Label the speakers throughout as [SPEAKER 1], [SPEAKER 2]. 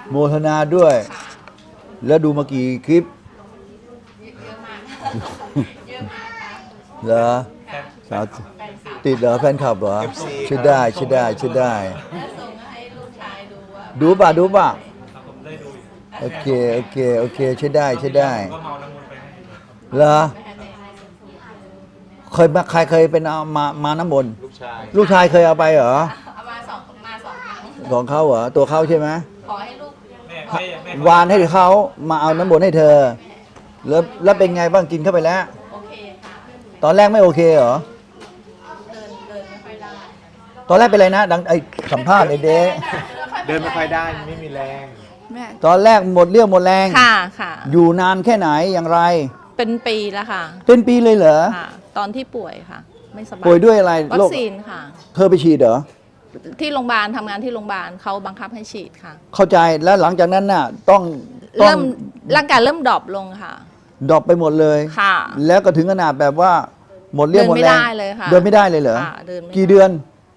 [SPEAKER 1] โมทนาด้วย แล้วดูมากี่คลิป
[SPEAKER 2] เยอะมากเยอะมากค่ะ
[SPEAKER 1] เหรอสาวติดเหรอแฟนคลับเหรอใช่ได้ใช่ได้ใช่ได้
[SPEAKER 2] แล้วส่งให้ลูกชายดูว่า
[SPEAKER 1] ดูป่ะดูป่ะ
[SPEAKER 3] ครับผมได้ดูอยู่
[SPEAKER 1] โอเคโอเคโอเคใช่ได้ใช่ได้
[SPEAKER 3] ก็เมาน้ำมนต์ไปให้
[SPEAKER 1] เหรอ
[SPEAKER 2] ไม่ให้แม่
[SPEAKER 1] เคยมาใครเคยเป็นเอามาน้ำมนต์
[SPEAKER 4] ลูกชาย
[SPEAKER 1] ลูกชายเคยเอาไปเหรอ
[SPEAKER 2] เอามาสองครั้ง
[SPEAKER 1] ของเขาเหรอตัวเขาใช่ไหม
[SPEAKER 2] ขอให้ลูก
[SPEAKER 3] แม่
[SPEAKER 1] วานให้เขามาเอาน้ำมนต์ให้เธอ แล้วเป็นไงบ้างกินเข้าไปแล้ว
[SPEAKER 2] โอเคค่ะ
[SPEAKER 1] ตอนแรกไม่โอเคเหรอ
[SPEAKER 2] เดินไม่ค่อยได้
[SPEAKER 1] ตอนแรกเป็นไรนะ ดังไอ้สัมภาษณ์ไอ้เด็ก
[SPEAKER 4] เดินไม่ค่อยได้ไม่มีแรง
[SPEAKER 2] แม่
[SPEAKER 1] ตอนแรกหมดเรี่ยวหมดแรง
[SPEAKER 2] ค่ะค่ะ
[SPEAKER 1] อยู่นานแค่ไหนอย่างไร
[SPEAKER 2] เป็นปีแล้วค่ะ
[SPEAKER 1] เป็นปีเลยเหรอ
[SPEAKER 2] ค่ะ ตอนที่ป่วยค่ะ ไม่สบาย
[SPEAKER 1] ป่วยด้วยอะไร
[SPEAKER 2] วั
[SPEAKER 1] โร
[SPEAKER 2] ค
[SPEAKER 1] ค
[SPEAKER 2] ซีนค่ะ
[SPEAKER 1] เธอไปฉีดเหรอ
[SPEAKER 2] ที่โรงพยาบาลทำงานที่โรงพยาบาลเขาบังคับให้ฉีดค่ะ
[SPEAKER 1] เข้าใจแล้วหลังจากนั้นน่ะต้อง
[SPEAKER 2] เริ่มร่างกายเริ่มดรอปลงค่ะ
[SPEAKER 1] ดรอปไปหมดเลย
[SPEAKER 2] ค่ะ
[SPEAKER 1] แล้วก็ถึงขนาดแบบว่า หมดเรี่ยวหมดแรง
[SPEAKER 2] เดินไม่ได้เลยค่ะ
[SPEAKER 1] เดินไม่ได้เลยเหรอ
[SPEAKER 2] ค่ะเดินไม่ได้
[SPEAKER 1] กี่เดือน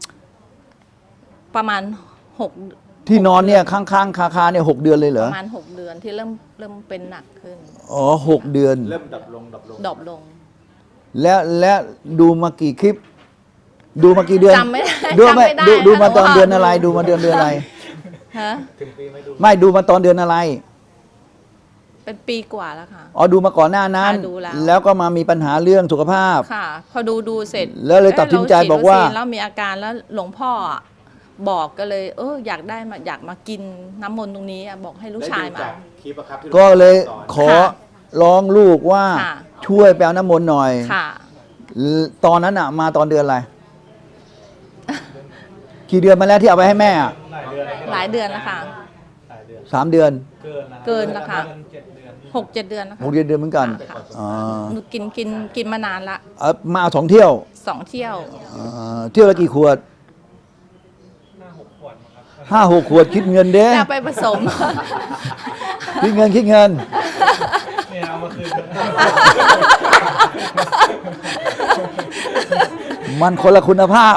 [SPEAKER 2] ประมาณหก
[SPEAKER 1] ที่นอนเนี่ยข้างๆคาเนี่ย6 เดือนเลยเหร
[SPEAKER 2] ป
[SPEAKER 1] อ
[SPEAKER 2] ระมาณ6 เดือนที่เริ่มเป็นหนักขึ้น
[SPEAKER 1] อ๋อ6 เดือน
[SPEAKER 4] เริ่มดับลง
[SPEAKER 2] ดรอปลง
[SPEAKER 1] แล้วดูมากี่คลิป ดูมากี่เดือน
[SPEAKER 2] จำไม่ได้
[SPEAKER 1] ดู
[SPEAKER 2] จำไม่ได้
[SPEAKER 1] ดูมา
[SPEAKER 2] ค่ะ
[SPEAKER 1] ตอน
[SPEAKER 2] เพราะว่า
[SPEAKER 1] เดือนอะไร ดูมาเดือนอะไร
[SPEAKER 2] ฮะ
[SPEAKER 4] ถึงปีไม่ดู
[SPEAKER 1] ไม่ดูมาตอนเดือนอะไร
[SPEAKER 2] เป็นปีกว่าแล้วค่ะ
[SPEAKER 1] อ๋อดูมาก่อนหน้านั้น
[SPEAKER 2] ค่ะดูแล้ว
[SPEAKER 1] แล้วก็มามีปัญหาเรื่องสุขภาพ
[SPEAKER 2] ค่ะ พอดูเสร็จ
[SPEAKER 1] แล้วเลยตัดสินใจ
[SPEAKER 2] เะเร
[SPEAKER 1] บอกว่า
[SPEAKER 2] ฉีดคซีนแล้วมีอาการแล้วหลวงพ่ออะบอกก็เลย อยากมากินน้ำมนต์ตรงนี้อะบอกให้ลูกชาย
[SPEAKER 4] ได้ดู
[SPEAKER 2] มา
[SPEAKER 4] จากคลิปอะครับที่
[SPEAKER 1] ก็เลย
[SPEAKER 4] สอน
[SPEAKER 1] ขอ
[SPEAKER 2] ค่ะ
[SPEAKER 1] ร้องลูกว่า
[SPEAKER 2] ค่ะ
[SPEAKER 1] ช่วยไปเอาน้ำมนต์หน่อย
[SPEAKER 2] ค่ะ
[SPEAKER 1] ตอนนั้นอ่ะมาตอนเดือนอะไร กี่เดือนมาแล้วที่เอาไปให้แม่อะ
[SPEAKER 3] หลายเดือน
[SPEAKER 2] หลายเดือนแล้วค่ะ
[SPEAKER 3] หลายเดือน
[SPEAKER 1] 3 เดือน
[SPEAKER 3] เกินนะ
[SPEAKER 2] เกินแล้วค่ะ
[SPEAKER 3] 7 เดือน
[SPEAKER 2] 6-7 เดือนแล้วค่ะ
[SPEAKER 1] 6 เดือนเหมือนกัน
[SPEAKER 2] ค่ะ
[SPEAKER 1] อ๋อ
[SPEAKER 2] หนูกินมานานละ
[SPEAKER 1] เอามาเอา2 เที่ยว
[SPEAKER 2] 2 เที่ยว
[SPEAKER 1] เที่ยวละกี่ขวด
[SPEAKER 3] 5-6 ขวดมั้งครับ
[SPEAKER 1] 5-6 ขวดคิดเงินเด้
[SPEAKER 2] แล้วไปผสม
[SPEAKER 1] คิดเงิน
[SPEAKER 3] เนี่ยเอามาคืน
[SPEAKER 1] มันคนละคุณภาพ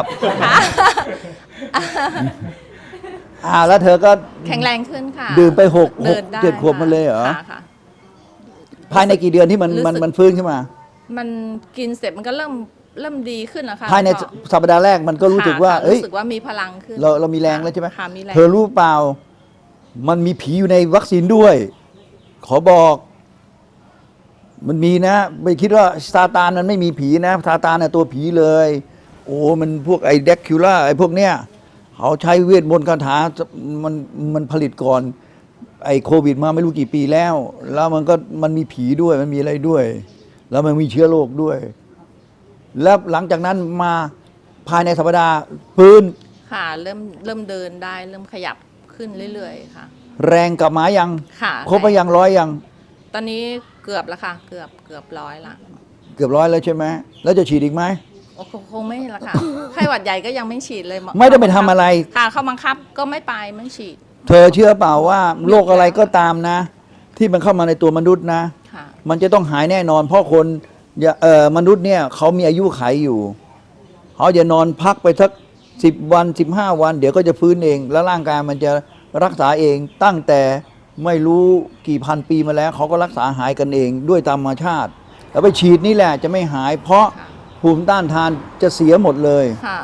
[SPEAKER 1] แล้วเธอก็
[SPEAKER 2] แข็งแรงขึ้นค่ะ
[SPEAKER 1] ดื่มไป
[SPEAKER 2] เดินได้
[SPEAKER 1] 7 ขวบมาเลยเหรอ
[SPEAKER 2] ค่ะค่ะ
[SPEAKER 1] ภายในกี่เดือนที่มัน
[SPEAKER 2] รู้สึก
[SPEAKER 1] มันฟื้นขึ้นมา
[SPEAKER 2] มันกินเสร็จมันก็เริ่มดีขึ้นแล้วค่ะ
[SPEAKER 1] ภายใน
[SPEAKER 2] พ่อ
[SPEAKER 1] สัปดาห์แรกมันก็รู้สึกว่า
[SPEAKER 2] ค่ะ
[SPEAKER 1] เอ้ย
[SPEAKER 2] รู้สึกว่ามีพลังขึ้น
[SPEAKER 1] เรามีแรงแล้วใช่ไหม
[SPEAKER 2] ค่ะมีแรง
[SPEAKER 1] เธอรู้เปล่า มันมีผีอยู่ในวัคซีนด้วย ขอบอก มันมีนะ ไม่คิดว่าซาตานมันไม่มีผีนะซาตานน่ะตัวผีเลย โอ้มันพวกไอ้เด็กคิวล่าไอ้พวกเนี้ยเขาใช้เวทมนต์คาถามันผลิตก่อน ไอ้โควิดมาไม่รู้กี่ปีแล้ว แล้วมันมีผีด้วยมันมีอะไรด้วย แล้วมันมีเชื้อโรคด้วย แล้วหลังจากนั้นมาภายในสัปดาห์ฟื้น
[SPEAKER 2] ค่ะเริ่มเดินได้เริ่มขยับขึ้นเรื่อยๆค่ะ
[SPEAKER 1] แรงกลับมายัง
[SPEAKER 2] ค่ะ
[SPEAKER 1] ครบไปยัง100ยัง
[SPEAKER 2] ตอนนี้เกือบแล้วค่ะ เกือบ100ละ
[SPEAKER 1] เกือบ100แล้วใช่ไหมแล้วจะฉีดอีกไหม
[SPEAKER 2] โอ้คงไม่ละค่ะไข้หวัดใหญ่ก็ยังไม่ฉีดเลย
[SPEAKER 1] ไม่ได้ไปทำอะไร
[SPEAKER 2] ค่ะเขาบังคับก็ไม่ไปไม่ฉีด
[SPEAKER 1] เธอเชื่อเปล่าว่าโรคอะไรก็ตามนะ ที่มันเข้ามาในตัวมนุษย์นะ
[SPEAKER 2] ค่ะ
[SPEAKER 1] มันจะต้องหายแน่นอน เพราะคนมนุษย์เนี่ยเขามีอายุขัยอยู่เขาจะนอนพักไปสัก10 วัน15 วัน เดี๋ยวก็จะฟื้นเอง แล้วร่างกายมันจะรักษาเองตั้งแต่ไม่รู้กี่พันปีมาแล้วเขาก็รักษาหายกันเองด้วยธรรมชาติ แล้วไปฉีดนี่แหละจะไม่หาย เพราะ
[SPEAKER 2] ค่ะ
[SPEAKER 1] ภูมิต้านทานจะเสียหมดเลย
[SPEAKER 2] ค่ะ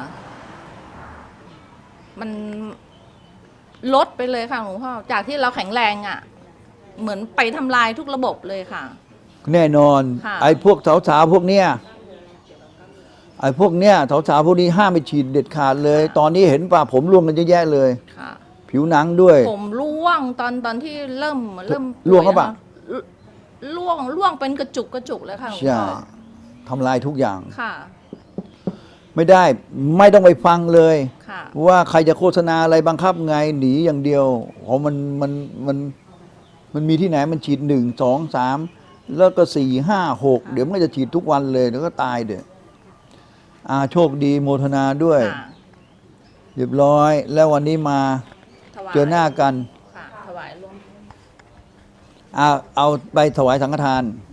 [SPEAKER 2] มันลดไปเลยค่ะหลวงพ่อจากที่เราแข็งแรงอ่ะ เหมือนไปทำลายทุกระบบเลยค่ะ
[SPEAKER 1] แน่นอน
[SPEAKER 2] ค่ะ
[SPEAKER 1] ไอ้พวกสาวๆพวกเนี้ยไอ้พวกเนี้ยสาวๆพวกนี้ห้ามไปฉีดเด็ดขาดเลย ตอนนี้เห็นป่ะผมร่วงกันเยอะแยะเลย
[SPEAKER 2] ค่ะ
[SPEAKER 1] ผิวหนังด้วย
[SPEAKER 2] ผมร่วงตอนที่เริ่ม
[SPEAKER 1] ร่วงหรือเปล่า
[SPEAKER 2] ร่วงเป็นกระจุกเลยค่ะหลวง
[SPEAKER 1] ใช่
[SPEAKER 2] พ่อ
[SPEAKER 1] ทำลายทุกอย่าง
[SPEAKER 2] ค่ะ
[SPEAKER 1] ไม่ได้ไม่ต้องไปฟังเลย
[SPEAKER 2] ค่ะ
[SPEAKER 1] ว่าใครจะโฆษณาอะไรบังคับไงหนีอย่างเดียวอ๋อมันมีที่ไหนมันฉีด1 2 3แล้วก็4 5 6เดี๋ยวมันก็จะฉีดทุกวันเลยเดี๋ยวก็ตายเด้อโชคดีโมทนาด้วย
[SPEAKER 2] ค่ะ
[SPEAKER 1] เรียบร้อย แล้ววันนี้มา
[SPEAKER 2] ถวาย
[SPEAKER 1] เจอหน้ากัน
[SPEAKER 2] ค่ะถวายร่วม
[SPEAKER 1] เอาไปถวายสังฆทาน
[SPEAKER 2] ค